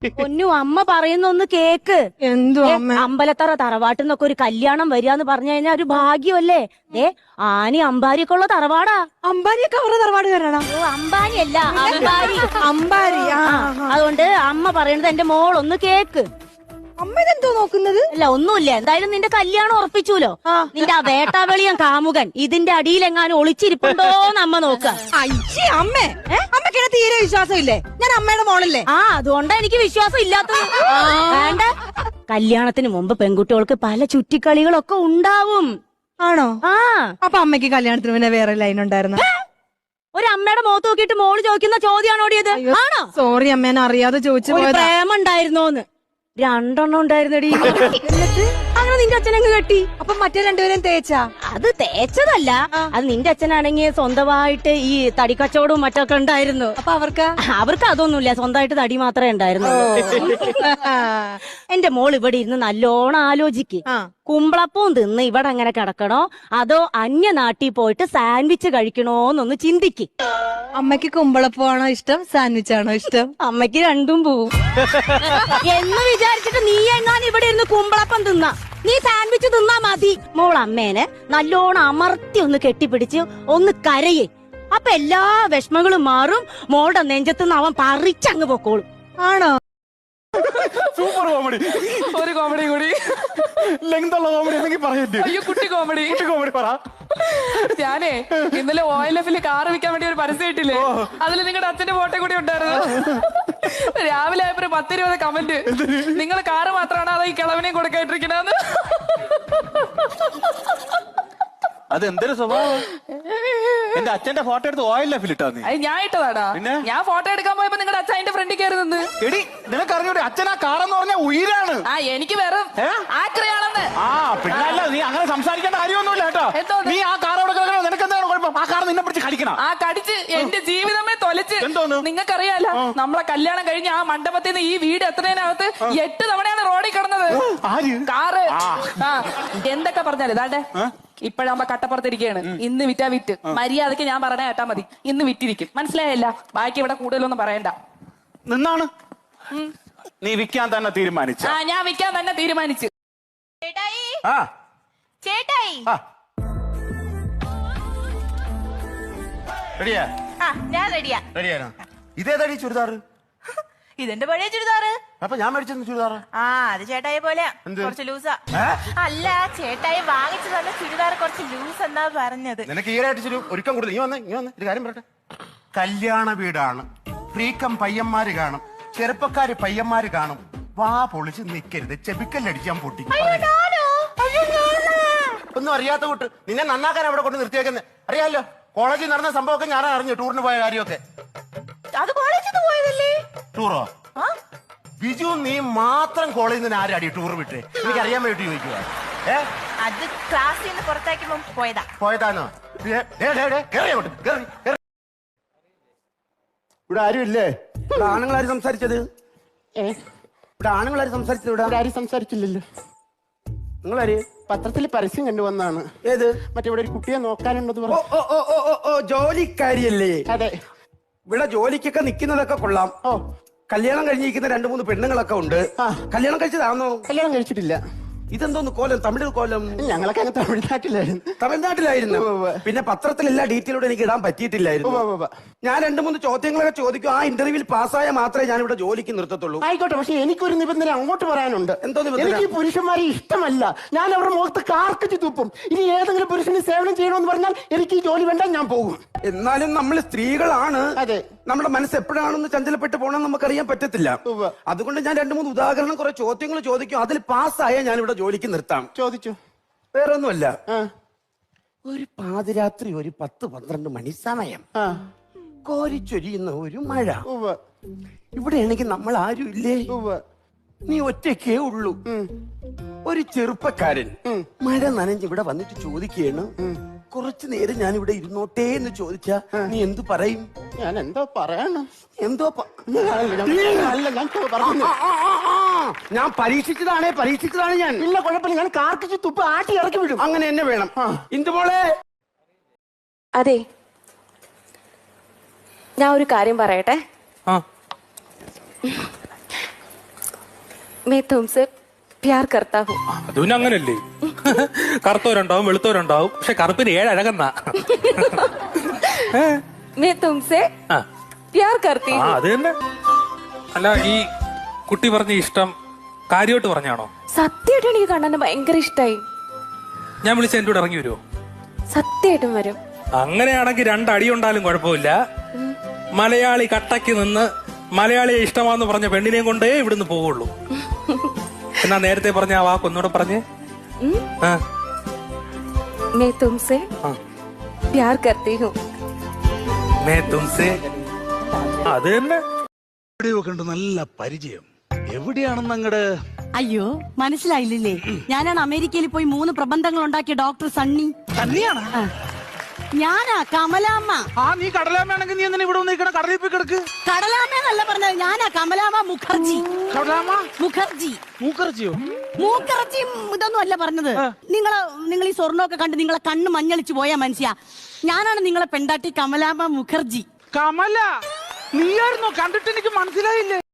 പൊന്നു അമ്മ പറയുന്ന ഒന്ന് കേക്ക്. എന്തോ അമ്മ? അമ്പലത്തറ തറവാട്ടിന്നൊക്കെ ഒരു കല്യാണം വരികയെന്ന് പറഞ്ഞു കഴിഞ്ഞാൽ ഒരു ഭാഗ്യമല്ലേ? ആനി അമ്പാരിയൊക്കെ ഉള്ള തറവാടാ. അമ്പാരിയൊക്കെ അവരുടെ തറവാടുകാരാണോ? അമ്പാനി അല്ല, അമ്പാരി. അമ്പാരി. അതുകൊണ്ട് അമ്മ പറയണത് എന്റെ മോളൊന്ന് കേക്ക്. അമ്മ ഇതെന്തോ നോക്കുന്നത്? അല്ല ഒന്നുമില്ല, എന്തായാലും നിന്റെ കല്യാണം ഉറപ്പിച്ചൂലോ. നിന്റെ ആ വേട്ടാവെളിയൻ കാമുകൻ ഇതിന്റെ അടിയിലെങ്ങാനും ഒളിച്ചിരിപ്പുണ്ടോന്ന് അമ്മ നോക്ക. അയ്യേ അമ്മേ, അമ്മയ്ക്ക് തീരെ വിശ്വാസം ഇല്ലേ? ഞാൻ അമ്മയുടെ മോളല്ലേ? അതുകൊണ്ടാ എനിക്ക് വിശ്വാസം ഇല്ലാത്തത്. വേണ്ട, കല്യാണത്തിന് മുമ്പ് പെൺകുട്ടികൾക്ക് പല ചുറ്റിക്കളികളൊക്കെ ഉണ്ടാവും. ആണോ? അപ്പൊ അമ്മയ്ക്ക് കല്യാണത്തിന് പിന്നെ വേറെ ലൈൻ ഉണ്ടായിരുന്നു? ഒരു അമ്മയുടെ മുഖത്ത് നോക്കിയിട്ട് മോള് ചോദിക്കുന്ന ചോദ്യമാണോടിയത്? ആണോ? സോറി അമ്മേനെ അറിയാതെ ചോദിച്ചു പോയത്. പ്രേമം ഉണ്ടായിരുന്നോന്ന്? 2 എണ്ണം ഉണ്ടായിരുന്നടി. എന്നിട്ട് അങ്ങനെ നിന്റെ അച്ഛനങ്ങ് കെട്ടി. അപ്പൊ മറ്റേ രണ്ടുപേരും തേച്ചാ? അത് തേച്ചതല്ല, അത് നിന്റെ അച്ഛനാണെങ്കിൽ സ്വന്തമായിട്ട് ഈ തടിക്കച്ചവടവും മറ്റൊക്കെ ഉണ്ടായിരുന്നു. അപ്പൊ അവർക്ക് അതൊന്നുമില്ല, സ്വന്തമായിട്ട് തടി മാത്രമേ ഉണ്ടായിരുന്നു. എന്റെ മോൾ ഇവിടെ ഇരുന്ന് നല്ലോണം ആലോചിക്ക്. കുമ്പളപ്പവും തിന്ന് ഇവിടെ അങ്ങനെ കിടക്കണോ അതോ അന്യ നാട്ടിൽ പോയിട്ട് സാൻഡ്വിച്ച് കഴിക്കണോന്നൊന്ന് ചിന്തിക്ക്. അമ്മയ്ക്ക് കുമ്പളപ്പമാണോ ഇഷ്ടം, സാൻഡ്വിച്ച് ആണോ ഇഷ്ടം? അമ്മയ്ക്ക് രണ്ടും പോവും എന്ന് വിചാരിച്ചിട്ട് നീ എങ്ങാനും ഇവിടെ ഇരുന്ന് കുമ്പളപ്പം തിന്നാ, നീ സാൻഡ്വിച്ച് തിന്നാ മതി. മോൾ അമ്മേനെ നല്ലോണം അമർത്തി ഒന്ന് കെട്ടിപ്പിടിച്ച് ഒന്ന് കരയേ. അപ്പൊ എല്ലാ വിഷമങ്ങളും മാറും. മോളുടെ നെഞ്ചത്തുനിന്ന് അവൻ പറിച്ചങ്ങ് പൊക്കോളും. ആണോ? Super comedy. ഒരു കോമഡി കൂടി. ലെങ്തുള്ള കോമഡി എന്തെങ്കിലും പറയല്ലേ? അയ്യോ കുട്ടി കോമഡി. കുട്ടി കോമഡി പറ. ഞാനേ ഇന്നലെ OLF കാർ വിൽക്കാൻ വേണ്ടി ഒരു പരസ്യം ഇട്ടില്ലേ, അതിൽ നിങ്ങളുടെ അച്ഛന്റെ ഫോട്ടോ കൂടി ഉണ്ടായിരുന്നു. രാവിലെ ആയപ്പോ 10-20 കമന്റ്. നിങ്ങൾ കാറ് മാത്രമാണ് അതോ ഈ കിളവിനെയും കൊടുക്കായിട്ടിരിക്കണെന്ന്. അതെന്തൊരു സ്വഭാവം? എന്റെ അച്ഛന്റെ ഫോട്ടോ എടുത്ത് OLF ഇട്ടാ നീ? അത് ഞാൻ ഇട്ടതാടാ. ഞാൻ ഫോട്ടോ എടുക്കാൻ പോയപ്പോ നിങ്ങളുടെ അച്ഛൻ അതിന്റെ ഫ്രണ്ടിൽ കയറി നിന്ന്. എടി നിനക്ക് അറിഞ്ഞൂടെ അച്ഛൻ ആ കാറെന്ന് പറഞ്ഞ ഉയരാണ്. എനിക്ക് വേറെ ആക്രയാണെന്ന്. പിന്നല്ല, നീ അങ്ങനെ സംസാരിക്കേണ്ട കാര്യമൊന്നുമില്ല കേട്ടോ. നീ ആ കാർ അവിടെ കിടക്കണോ? നിനക്ക് എന്താണ് കുഴപ്പം? ആ കാർ നിന്നെ പിടിച്ച് കടിക്കണം. കടിച്ച് എന്റെ ജീവിതമേ തൊലച്ച്. എന്തോന്ന്? നിങ്ങൾക്കറിയാലോ, നമ്മളെ കല്യാണം കഴിഞ്ഞ് ആ മണ്ഡപത്തിൽ നിന്ന് ഈ വീട് എത്തുന്നതിനകത്ത് 8 തവണയാണ് റോഡിൽ കിടന്നത് കാറ്. എന്തൊക്കെ പറഞ്ഞാല് ഇതാണ്ടേ ഇപ്പഴാകുമ്പോ കട്ടപ്പുറത്തിരിക്കുകയാണ്. ഇന്ന് വിറ്റാ വിറ്റ് മര്യാദക്ക് ഞാൻ പറഞ്ഞ കേട്ടാ മതി. ഇന്ന് വിറ്റിരിക്കും, മനസ്സിലായല്ല? ബാക്കി ഇവിടെ കൂടുതലൊന്നും പറയണ്ട. നിന്നാണ് നീ വിൽക്കാൻ തന്നെ തീരുമാനിച്ചു? ഞാൻ വിൽക്കാൻ തന്നെ തീരുമാനിച്ചു. ചേട്ടായി, ചേട്ടായി, റെഡിയാ? ഞാൻ റെഡിയാ. റെഡിയാണോ? ഇതേതാടി ചുരിദാറ്? ഇതെന്റെ പഴയ ചുരിദാറ്. അപ്പൊ ഞാൻ മേടിച്ചെന്ന് ചുരിദാറ്? അത് ചേട്ടായി പോലെ കുറച്ച് ലൂസാ. അല്ല, ചേട്ടായി വാങ്ങിച്ചു തന്നെ ചുരിദാർ കുറച്ച് ലൂസ് എന്നാ പറഞ്ഞത്. നിനക്ക് ഈരായിട്ട് ഒരുക്കം കൂടുതൽ. നീ വന്നേ ഒരു കാര്യം പറയട്ടെ. കല്യാണ വീടാണ്, ഫ്രീക്കം പയ്യന്മാര് കാണും, ചെറുപ്പക്കാര് പയ്യന്മാര് കാണും. വാ പൊളിച്ച് നിക്കരുത്, ചെബിക്കല്ലടിച്ചാൻ പൊട്ടി. ഒന്നും അറിയാത്ത കൂട്ട് നിന്നെ നന്നാക്കാൻ അവിടെ കൊണ്ട് നിർത്തിയേക്കുന്നത് അറിയാലോ. കോളേജിൽ നടന്ന സംഭവമൊക്കെ ഞാൻ അറിഞ്ഞു, ടൂറിന് പോയ കാര്യമൊക്കെ. അത് കോളേജിൽ പോയതല്ലേ? ടൂറോ? ബിജു നീ മാത്രം കോളേജിൽ നിന്ന് ആരാടി ടൂർ വിട്ടേ? എനിക്ക് അറിയാൻ വേണ്ടി ചോദിക്കുക. അത് ക്ലാസ്സിൽ നിന്ന് പുറത്താക്കുമ്പോ പോയതാണോ? ഇവിടെ ആരും ഇല്ലേ? ഇവിടെ ആണുങ്ങളാരും സംസാരിച്ചത്? ഇവിടെ ആണുങ്ങളാരും സംസാരിച്ചത്? ഇവിടെ ആരും സംസാരിച്ചില്ലല്ലോ. നിങ്ങളാര്? പത്രത്തിൽ പരസ്യം കണ്ടുവന്നാണ്. ഏത്? മറ്റേ ഇവിടെ ഒരു കുട്ടിയെ നോക്കാനുണ്ടെന്ന് പറഞ്ഞു. ജോലിക്കാരിയല്ലേ? അതെ. ഇവിടെ ജോലിക്കൊക്കെ നിക്കുന്നതൊക്കെ കൊള്ളാം. കല്യാണം കഴിഞ്ഞിരിക്കുന്ന 2-3 പെണ്ണുങ്ങളൊക്കെ ഉണ്ട്. കല്യാണം കഴിച്ചതാണോ? കല്യാണം കഴിച്ചിട്ടില്ല. ഇതെന്തോന്ന് കോലം? തമിഴ് കോലം? ഞങ്ങളൊക്കെ അങ്ങ് തമിഴ്നാട്ടിലായിരുന്നു. തമിഴ്നാട്ടിലായിരുന്നു. പിന്നെ പത്രത്തിൽ എല്ലാ ഡീറ്റെയിലൂടെ എനിക്ക് ഇടാൻ പറ്റിയിട്ടില്ലായിരുന്നു. ഞാൻ 2-3 ചോദ്യങ്ങളൊക്കെ ചോദിക്കും. ആ ഇന്റർവ്യൂവിൽ പാസ്സായ മാത്രമേ ഞാൻ ഇവിടെ ജോലിക്ക് നിർത്തത്തുള്ളൂ. ആയിക്കോട്ടെ, പക്ഷെ എനിക്കൊരു നിബന്ധന അങ്ങോട്ട് പറയാനുണ്ട്. എന്തോ നിബന്ധന? എനിക്ക് പുരുഷന്മാരെ ഇഷ്ടമല്ല. ഞാൻ അവരുടെ മുഖത്ത് കാർക്കിച്ച് തുപ്പും. ഇനി ഏതെങ്കിലും പുരുഷന് സേവനം ചെയ്യണമെന്ന് പറഞ്ഞാൽ എനിക്ക് ഈ ജോലി വേണ്ട, ഞാൻ പോകും. എന്നാലും നമ്മൾ സ്ത്രീകളാണ്. അതെ. നമ്മുടെ മനസ്സ് എപ്പോഴാണെന്ന് ചഞ്ചലപ്പെട്ട് പോകണമെന്ന് നമുക്കറിയാൻ പറ്റത്തില്ല. അതുകൊണ്ട് ഞാൻ 2-3 ഉദാഹരണം, കുറെ ചോദ്യങ്ങൾ ചോദിക്കും. അതിൽ പാസ്സായ ഞാൻ ഇവിടെ ജോലിക്ക് നിർത്താം. ചോദിച്ചു. വേറെ ഒന്നുമല്ല, ഒരു പാതിരാത്രി ഒരു 10-12 മണി സമയം, കോരിച്ചൊരിയുന്ന ഒരു മഴ. ഇവിടെയാണെങ്കിൽ നമ്മൾ ആരും ഇല്ലേ? നീ ഒറ്റയ്ക്കേ ഉള്ളൂ. ഒരു ചെറുപ്പക്കാരൻ മഴ നനഞ്ഞ് ഇവിടെ വന്നിട്ട് ചോദിക്കുകയാണ്, കുറച്ചു നേരം ഞാൻ ഇവിടെ ഇരുന്നോട്ടേ എന്ന് ചോദിച്ചാ നീ എന്തു പറയും? ഞാൻ എന്തോ പറയണം? ഞാൻ പരീക്ഷിച്ചതാണ് ഞാൻ. ഇല്ല കുഴപ്പമില്ല, ഞാൻ കാർക്കിച്ച് തുപ്പ് ആട്ടി ഇറക്കി വിടും. അങ്ങനെ എന്നെ വേണം. ഇന്ദുമോളെ, അതെ, ഞാൻ ഒരു കാര്യം പറയട്ടെ. मैं तुमसे प्यार करता हूँ അത് പിന്നെ അങ്ങനല്ലേ കറുത്തവരുണ്ടാവും വെളുത്തവരുണ്ടാവും പക്ഷെ കറുപ്പിന് 7 അഴകെന്നാ मैं तुमसे ആ प्यार करती ആ, हूँ അത് തന്നെ. അല്ല ഈ കുട്ടി പറഞ്ഞ ഇഷ്ടം കാര്യമായിട്ട് പറഞ്ഞാണോ? സത്യമായിട്ടും എനിക്ക് കണ്ണനെ ഭയങ്കര ഇഷ്ടായി. ഞാൻ വിളിച്ച എന്റെ കൂടെ ഇറങ്ങി വരുമോ? സത്യമായിട്ടും വരും. അങ്ങനെയാണെങ്കിൽ 2 അടി ഉണ്ടാലും കുഴപ്പമില്ല. മലയാളി കട്ടയ്ക്ക് നിന്ന് മലയാളിയെ ഇഷ്ടമാന്ന് പറഞ്ഞ പെണ്ണിനെയും കൊണ്ടേ ഇവിടുന്ന് പോവുള്ളൂ. എന്നാ നേരത്തെ പറഞ്ഞ ആ വാക്ക് ഒന്നുകൂടെ പറഞ്ഞേ. ആ. मैं तुमसे प्यार करती हूँ. मैं तुमसे അത് തന്നെ. എവിടെയൊക്കെ ഉണ്ട് നല്ല പരിചയം. എവിടെയാണെന്ന് അങ്ങട് അയ്യോ മനസ്സിലായില്ലേ? ഞാനാണ് അമേരിക്കയിൽ പോയി 3 പ്രബന്ധങ്ങൾ ഉണ്ടാക്കിയ ഡോക്ടർ സണ്ണി. തന്നെയാണ്. ഞാനാ കമലാമ്മ. ആ നീ കടലാമ്മയാണെങ്കിൽ നീ എന്തിനാ ഇവിടെ വന്നിരിക്കണ? കടലിൽ പോയി കിടക്ക്. കടലാമ്മ എന്നല്ല പറഞ്ഞത്, ഞാനാ കമലാമ്മ മുഖർജി. കടലാമ്മ മുഖർജി. മൂക്കറച്ചിയോ? മൂക്കറച്ചി ഇതൊന്നും അല്ല പറഞ്ഞത്. നിങ്ങൾ ഈ സ്വർണ്ണമൊക്കെ കണ്ട് നിങ്ങളെ കണ്ണ് മഞ്ഞളിച്ചു പോയാ മനുഷ്യ. ഞാനാണ് നിങ്ങളെ പെണ്ടാട്ടി കമലാമ്മ മുഖർജി. കമല നീയായിരുന്നോ? കണ്ടിട്ട് എനിക്ക് മനസ്സിലായില്ലേ.